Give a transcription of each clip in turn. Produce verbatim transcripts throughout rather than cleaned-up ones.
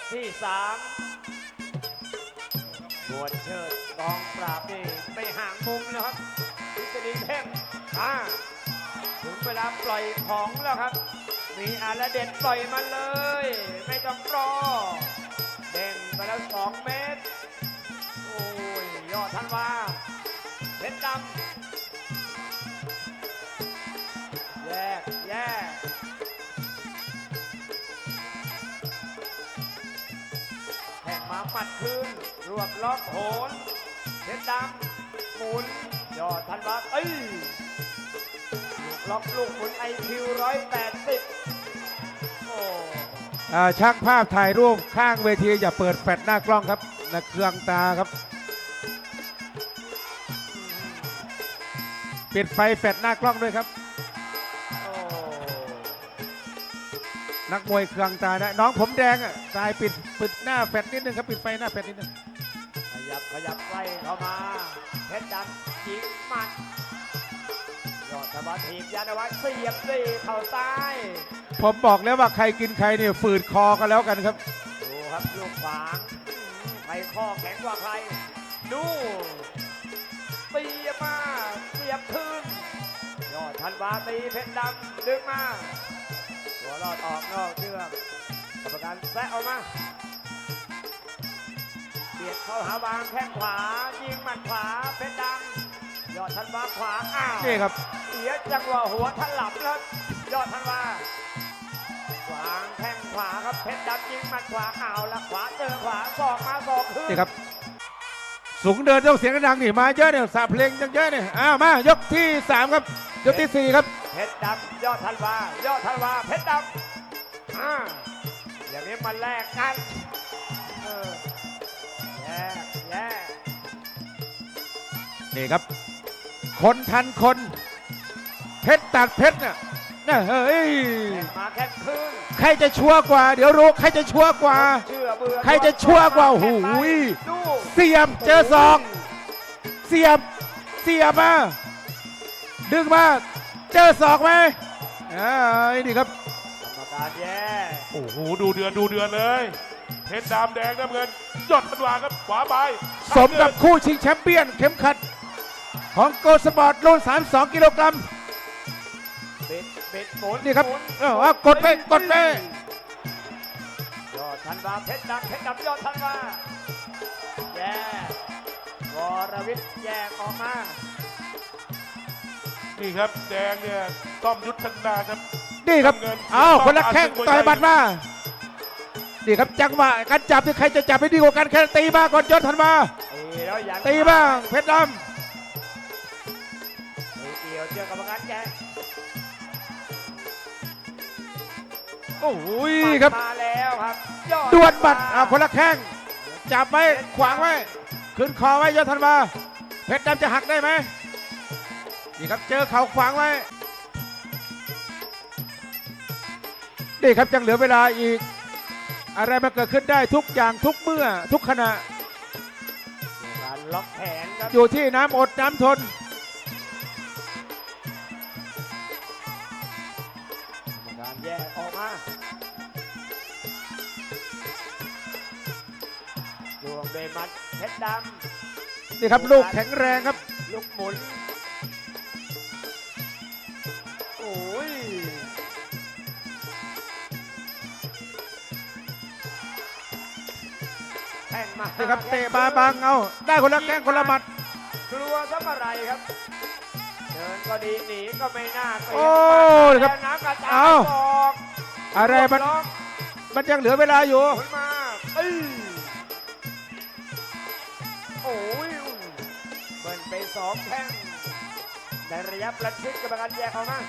ที่สามบวชเชิดกองปราบนี่ไปห่างมุมแล้วครับทฤษฎีเพ่งอ่าถึงเวลาปล่อยของแล้วครับมีอาระเด็ดปล่อยมาเลยไม่ต้องรอเด้งไปแล้วสองเมตรโอ้ยยอดธันวาเพชรดำแยกแยกแข่งมาปัดคืนรวบล็อกโหนเพชรดำหมุนยอดธันวาเอ้ยลูกล็อกลูกหมุนไอคิวร้อยแปดสิบโอ้ช่างภาพถ่ายรูปข้างเวทีอย่าเปิดแฟลชหน้ากล้องครับนะเครื่องตาครับปิดไฟแฟลชหน้ากล้องด้วยครับนักมวยเครื่องตาได้น้องผมแดงอ่ะตายปิดปิดหน้าแฟลชนิดนึงครับปิดไฟหน้าแฟลชนิดนึงขยับขยับไล่เข้ามาเพชรดำยิงหมัดยอดธรรมทีมยานวัฒน์เสียบด้วยเข่าซ้ายผมบอกแล้วว่าใครกินใครเนี่ยฝืดคอกันแล้วกันครับดูครับลูกขวางใครข้อแข็งกว่าใครดูเสียบมาเสียบคืนยอดธันวาตีเพชรดำดึงมาหัวรอดออกนอกเชือกกรรมการแซะออกมาเบียดเข้าหาวางแข้งขวายิงหมัดขวาเพชรดำยอดธันวาขวาอ้าวนี่ครับเสียจังหวะหัวถลับแล้วยอดธันวาวางแข้งขวาครับเพชรดำยิงหมัดขวาอ้าวแล้วขวาเจอขวาศอกมาศอกขึ้นนี่ครับสูงเดินยกเสียงดังนี่มาเยอะเนี่ยสาเพลงยังเยอะเนี่ยอ้าวมายกที่สามครับยกที่สี่ครับเพชรดำยอดธันวายอดธันวาเพชรดำอ่าอย่างนี้มาแลกกันเออแย่แย่นี่ครับคนทันคนเพชรตัดเพชรน่ะน่ะเฮ้ยมาแค่คืนใครจะชัวร์กว่าเดี๋ยวรู้ใครจะชัวร์กว่าใครจะชัวร์กว่าหูยเสียบเจอศอกเสียบเสียบมาดึงมาเจอศอกไหมอ่านี่ครับกรรมการแย่โอ้โหดูเดือนดูเดือนเลยเพชรดำแดงน้ำเงินยอดธันวาครับขวาไปสมกับคู่ชิงแชมเปี้ยนเข็มขัดของโกสปอร์ตรุ่นสามสิบสองกิโลกรัมเบ็ดเบ็ดหมุนนี่ครับเออกดไปกดไปยอดธันวาเพชรดำเพชรดำยอดธันวาแย่วรวิทย์แยกออกมานี่ครับแดงเนี่ยต้อมยุทธนาครับนี่ครับอ้าวคนละแข้งต่อยบัดมานี่ครับจังหวะการจับที่ใครจะจับให้ดีกว่ากันแค่ตีมาก่อนยอดธันวาตีบ้างเพชรดำเกี่ยวเจอกรรมการแย่โอ้ยครับมาแล้วครับดวลบัดอ่าคนละแข้งจับไว้ขวางไว้ขึ้นคอไว้ยอดธันวาเพชรดำจะหักได้ไหมนี่ครับเจอเข่าขวางไว้นี่ครับยังเหลือเวลาอีกอะไรมาเกิดขึ้นได้ทุกอย่างทุกเมื่อทุกขณะการล็อกแขนครับอยู่ที่น้ำอดน้ำทนการแยกออกมาดวงเบมัดเพชรดำนี่ครับลูกแข็งแรงครับลูกหมุนโอ้ยแข่งมานี่ครับเตะบาบังเอาได้คนละแข้งคนละหมัดกลัวซะเมื่อไรครับเดินก็ดีหนีก็ไม่น่าเกลียดโอ้ครับน้ำกระจายออกอะไรมันมันยังเหลือเวลาอยู่มาเอ้ยโอ้ยเบิร์นไปสองแข้งในระยะประชิดกรรมการแยกออกมา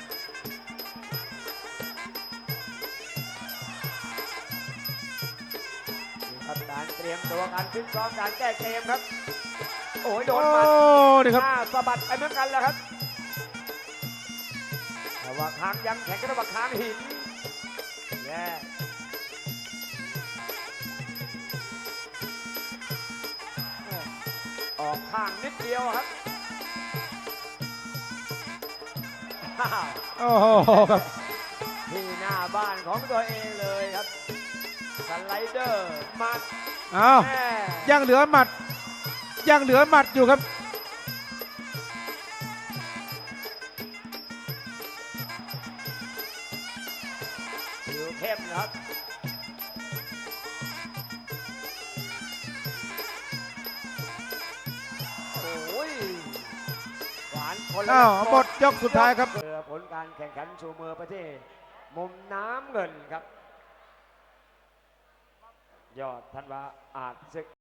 ครับการเตรียมตัวการฟิตซ้อมการแก้เกมครับโอ้ยโดนมัดนี่ครับสะบัดไปเหมือนกันแล้วครับแต่ว่าค้างยังแข็งก็ต้องว่าค้างหินแย่ออกข้างนิดเดียวครับโอ้โหครับที่หน้าบ้านของตัวเองเลยครับสไลเดอร์หมัดอ้าวแม่ยังเหลือหมัด ยังเหลือหมัดอยู่ครับผิวเข้มนะครับโอ้ยหวานคนละอ้าวหมดยกสุดท้ายครับเพื่อผลการแข่งขันชูมือประเทศ มุมน้ำเงินครับ ยอดธันวาอาจศึก